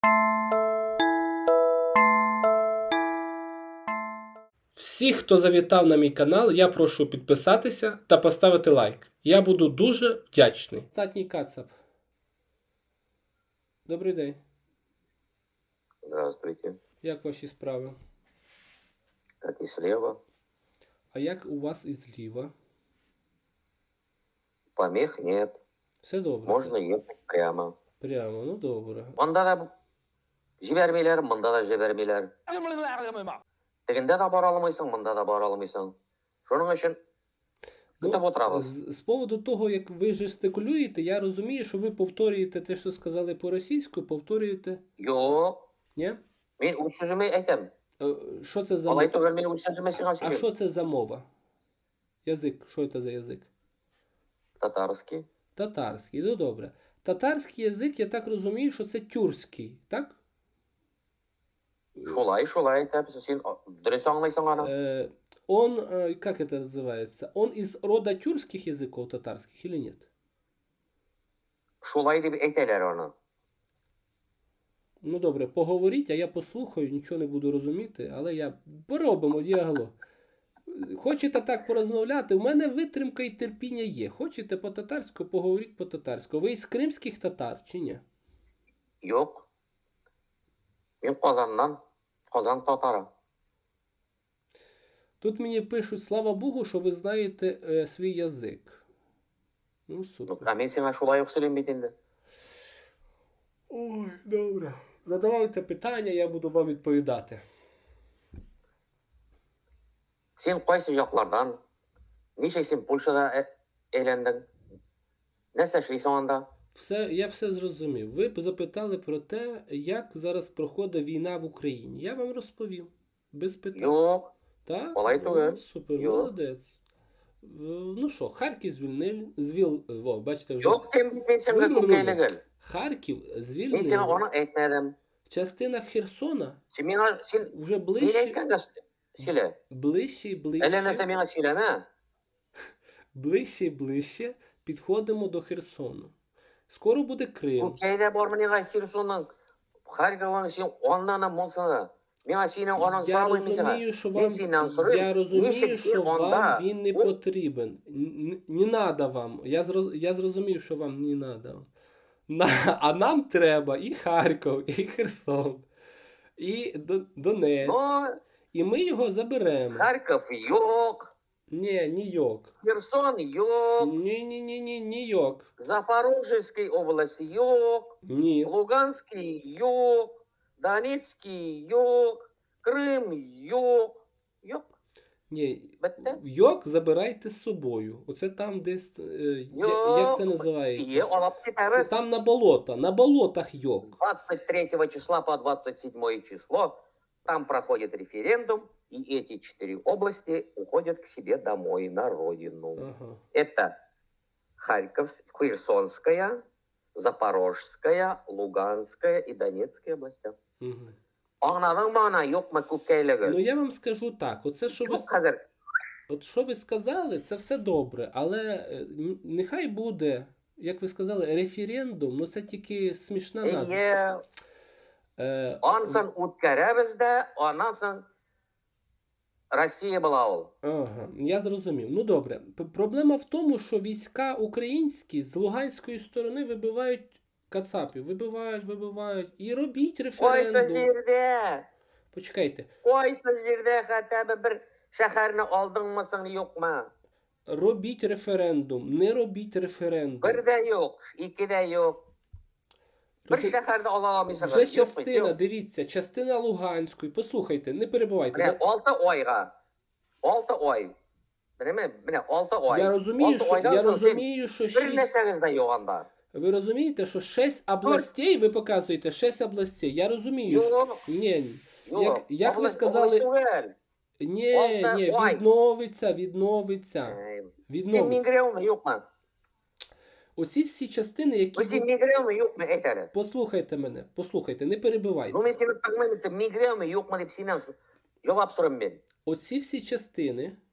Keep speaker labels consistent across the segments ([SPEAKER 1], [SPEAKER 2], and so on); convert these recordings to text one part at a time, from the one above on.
[SPEAKER 1] Всіх, хто завітав на мій канал, я прошу підписатися та поставити лайк. Я буду дуже вдячний. Статній Кацап. Добрий день.
[SPEAKER 2] Здравствуйте.
[SPEAKER 1] Як ваші справи?
[SPEAKER 2] Как и слева.
[SPEAKER 1] А як у вас і зліва?
[SPEAKER 2] Помех нет.
[SPEAKER 1] Все добре?
[SPEAKER 2] Можно ехать прямо.
[SPEAKER 1] Прямо, ну добре.
[SPEAKER 2] Мында да жібермейлер, мында да жібермейлер. Тегінде да бара алмайсың, мында да бара алмайсың. Шуның үшін күтіп отырабыз.
[SPEAKER 1] З поводу того, як ви жестикулюєте, я розумію, що ви повторюєте те, що сказали по-російську, повторюєте.
[SPEAKER 2] Жоқ,
[SPEAKER 1] Ні?
[SPEAKER 2] мен өз сөзіме айтам.
[SPEAKER 1] Що це за
[SPEAKER 2] Алай
[SPEAKER 1] мова?
[SPEAKER 2] түгел мен өз сөзіме сиңа
[SPEAKER 1] А
[SPEAKER 2] сөйлем.
[SPEAKER 1] що це за мова? Язик. Що це за язик?
[SPEAKER 2] Татарський.
[SPEAKER 1] Татарський. Ну добре. Татарський язик, я так розумію, що це тюркський, так?
[SPEAKER 2] Шулай айтам. Сен дұрыс аңлайсың аны.
[SPEAKER 1] Он, как это называется? Он из рода тюркских языков татарских или нет?
[SPEAKER 2] Шулай деп айталар аны.
[SPEAKER 1] Ну добре, поговоріть, а я послухаю, нічого не буду розуміти, але я поробимо діалог. Хочете так порозмовляти? У мене витримка і терпіння є. Хочете по-татарську, поговоріть по-татарську. Ви із кримських татар чи ні?
[SPEAKER 2] Жоқ. Мен Қазаннан. Қазан татары.
[SPEAKER 1] Тут мені пишуть, слава Богу, що ви знаєте свій язик. Ну, супер.
[SPEAKER 2] А мен сиңа шулай ук сөйлемейді енді.
[SPEAKER 1] Ой, добре. Задавайте питання, я буду вам відповідати.
[SPEAKER 2] Сен қайсы жақлардан? Неше сен Польшада елендің? Нәрсе эшлейсің анда?
[SPEAKER 1] Я все зрозумів. Ви запитали про те, як зараз проходить війна в Україні. Я вам розповім. Без питань.
[SPEAKER 2] Жоқ.
[SPEAKER 1] Так?
[SPEAKER 2] Олай тугел.
[SPEAKER 1] Супер,
[SPEAKER 2] Йо.
[SPEAKER 1] молодець. Ну що, Харків звільнили. Бачите, вже.
[SPEAKER 2] Жоқ, мен сенге көкейлігіл.
[SPEAKER 1] Харків
[SPEAKER 2] Мен сені
[SPEAKER 1] звільнили.
[SPEAKER 2] оны айтмадым.
[SPEAKER 1] Частина Херсона
[SPEAKER 2] Сен
[SPEAKER 1] вже
[SPEAKER 2] мен
[SPEAKER 1] ближче
[SPEAKER 2] айтқанды сөйле.
[SPEAKER 1] і
[SPEAKER 2] Әлі нәрсе
[SPEAKER 1] ближче.
[SPEAKER 2] менға сөйлеме.
[SPEAKER 1] Ближче і ближче підходимо до Херсону. Скоро буде Крим.
[SPEAKER 2] Көкейде бар менеға Херсонның Харьковың сен онланам болсана. Менға сенің оның
[SPEAKER 1] Я
[SPEAKER 2] сұрап
[SPEAKER 1] розумію, що
[SPEAKER 2] Мен сенен сұрайм.
[SPEAKER 1] я розумію,
[SPEAKER 2] Нешік
[SPEAKER 1] що
[SPEAKER 2] сен
[SPEAKER 1] вам
[SPEAKER 2] онда?
[SPEAKER 1] він не потрібен. Не надо вам. Я зрозумів, що вам не надо. А нам треба і Харків, і Херсон, і Донецьк.
[SPEAKER 2] Ну,
[SPEAKER 1] І ми його заберемо.
[SPEAKER 2] Харків жоқ.
[SPEAKER 1] Ні, Нью-Йорк.
[SPEAKER 2] Херсон жоқ.
[SPEAKER 1] Ні, Нью-Йорк.
[SPEAKER 2] Запорожецкой области жоқ.
[SPEAKER 1] Ні.
[SPEAKER 2] Луганский жоқ. Донецкий жоқ. Крым жоқ. Жоқ.
[SPEAKER 1] Ні.
[SPEAKER 2] Бітті?
[SPEAKER 1] Йорк забирайте з собою. Оце там десь, як це називається?
[SPEAKER 2] Є, алап
[SPEAKER 1] Це
[SPEAKER 2] кетерес.
[SPEAKER 1] там на болото. На болотах Йорк.
[SPEAKER 2] С 23 числа по 27 число там проходит референдум, и эти 4 области уходят к себе домой, на родину.
[SPEAKER 1] Ага.
[SPEAKER 2] Это Херсонская, Запорожская, Луганская и Донецкая области.
[SPEAKER 1] Угу.
[SPEAKER 2] Аңладың ба ана, жоқ ма көкейлігі?
[SPEAKER 1] Ну я вам скажу так, оце що ви,
[SPEAKER 2] Жоқ қазір.
[SPEAKER 1] от що ви сказали, це все добре, але нехай буде, як ви сказали, референдум, ну це тільки смішна назва.
[SPEAKER 2] Ие, онсын өткәрәбіз де, онсын Росія була ол.
[SPEAKER 1] Ага, я зрозумів. Ну добре. Проблема в тому, що війська українські з луганської сторони вибивають кацапів, вибивають. І робіть
[SPEAKER 2] Қойсы
[SPEAKER 1] референдум.
[SPEAKER 2] жерде,
[SPEAKER 1] Почекайте.
[SPEAKER 2] қойсы жерде хотя бір шәһәрні алдыңмысың, жоқ ма?
[SPEAKER 1] Робіть референдум, не робіть референдум.
[SPEAKER 2] Бір де жоқ, екі де жоқ. Бір
[SPEAKER 1] Роз-
[SPEAKER 2] шәһәрді ала алмайсың.
[SPEAKER 1] Вже частина, дивіться, частина Луганської. Послухайте, не перебивайте.
[SPEAKER 2] Міне 6 ойға. 6 ой. Міне 6 ой.
[SPEAKER 1] Я розумію,
[SPEAKER 2] 6
[SPEAKER 1] що,
[SPEAKER 2] ойдан
[SPEAKER 1] я
[SPEAKER 2] соң сен
[SPEAKER 1] розумію, що
[SPEAKER 2] бір
[SPEAKER 1] 6...
[SPEAKER 2] нәрсеңіз де жоқ анда.
[SPEAKER 1] Ви розумієте, що 6 областей, ви показуєте 6 областей. Я розумію, що...
[SPEAKER 2] Жоқ,
[SPEAKER 1] Ні,
[SPEAKER 2] жоқ.
[SPEAKER 1] як ви
[SPEAKER 2] Область
[SPEAKER 1] сказали...
[SPEAKER 2] түгел.
[SPEAKER 1] Ні,
[SPEAKER 2] Ой.
[SPEAKER 1] відновиться.
[SPEAKER 2] Сен миграуны жоқ ма?
[SPEAKER 1] Оці всі частини, які...
[SPEAKER 2] Сен миграуны жоқ ма, айт әлі.
[SPEAKER 1] Послухайте, не перебивайте.
[SPEAKER 2] Ну, мен сені тыңдаймын, сен миграуны жоқ ма деп сенен жауап сұраймын мен.
[SPEAKER 1] Оці всі частини,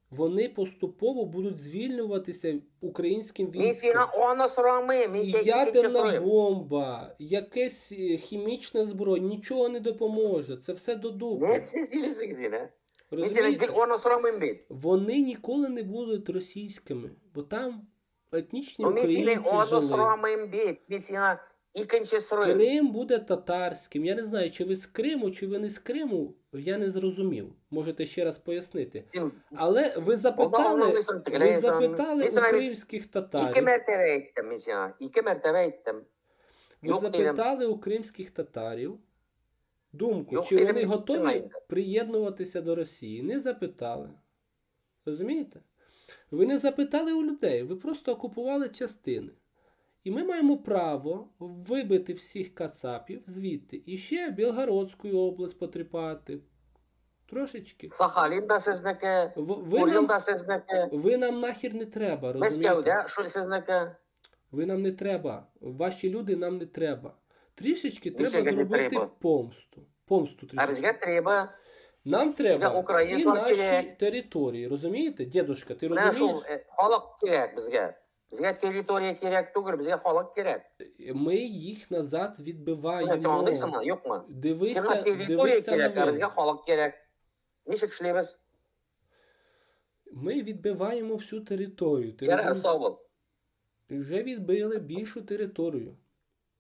[SPEAKER 1] вони поступово будуть звільнюватися українським
[SPEAKER 2] Мен
[SPEAKER 1] військом.
[SPEAKER 2] сені оны сұрамайм, мен
[SPEAKER 1] І
[SPEAKER 2] тек
[SPEAKER 1] ядерна
[SPEAKER 2] сұраймын.
[SPEAKER 1] бомба, якесь хімічна зброя, нічого не допоможе. Це все до дупи.
[SPEAKER 2] Не сен сөйлесің сен, а? Мен сенен
[SPEAKER 1] Розумієте?
[SPEAKER 2] гел оны сұрамайм бе?
[SPEAKER 1] Вони ніколи не будуть російськими, бо там етнічні
[SPEAKER 2] Ну, мен сенен
[SPEAKER 1] українці
[SPEAKER 2] оны
[SPEAKER 1] жили.
[SPEAKER 2] сұрамайм бе? Мен сені екінші сұраймын.
[SPEAKER 1] Крим буде татарським. Я не знаю, чи ви з Криму, чи ви не з Криму, я не зрозумів. Можете ще раз пояснити.
[SPEAKER 2] Сен
[SPEAKER 1] Але ви запитали у кримських
[SPEAKER 2] екі
[SPEAKER 1] татарів,
[SPEAKER 2] мәртебе айттым мен сені. Екі мәртебе айттым.
[SPEAKER 1] ви
[SPEAKER 2] Yok dedim.
[SPEAKER 1] запитали у кримських татарів думку,
[SPEAKER 2] Yok
[SPEAKER 1] чи
[SPEAKER 2] dedim,
[SPEAKER 1] вони
[SPEAKER 2] gittim
[SPEAKER 1] готові
[SPEAKER 2] aynen.
[SPEAKER 1] приєднуватися до Росії. Не запитали. Розумієте? Ви не запитали у людей, ви просто окупували частини. І ми маємо право вибити всіх кацапів звідти. І ще Білгородську область потріпати. Трошечки.
[SPEAKER 2] Сахалин да сізники,
[SPEAKER 1] Ви
[SPEAKER 2] Курил
[SPEAKER 1] нам,
[SPEAKER 2] да сізники,
[SPEAKER 1] ви нам нахер не треба,
[SPEAKER 2] Мәскеу
[SPEAKER 1] розумієте?
[SPEAKER 2] да сізники.
[SPEAKER 1] Ви нам не треба. Ваші люди нам не треба. Трішечки
[SPEAKER 2] Нічого
[SPEAKER 1] треба
[SPEAKER 2] не
[SPEAKER 1] зробити
[SPEAKER 2] треба.
[SPEAKER 1] помсту. Помсту
[SPEAKER 2] А
[SPEAKER 1] трішечки.
[SPEAKER 2] бізге треба.
[SPEAKER 1] Нам треба всі
[SPEAKER 2] українцям
[SPEAKER 1] наші
[SPEAKER 2] керек.
[SPEAKER 1] території. Розумієте? Дідушка, ти
[SPEAKER 2] Міне
[SPEAKER 1] розумієш?
[SPEAKER 2] шул халық керек бізге. Бізге територия керек түгіл, бізге халық керек.
[SPEAKER 1] Ми їх назад
[SPEAKER 2] Сен
[SPEAKER 1] відбиваємо.
[SPEAKER 2] аңдайсыңмы, жоқ ма? Сені
[SPEAKER 1] Дивися,
[SPEAKER 2] територия
[SPEAKER 1] дивися
[SPEAKER 2] керек, а
[SPEAKER 1] новини.
[SPEAKER 2] бізге халық керек. Нешік ішлейміз?
[SPEAKER 1] Ми відбиваємо всю територію. Ти
[SPEAKER 2] Жарар,
[SPEAKER 1] розумієш?
[SPEAKER 2] сау бол.
[SPEAKER 1] І вже відбили більшу територію.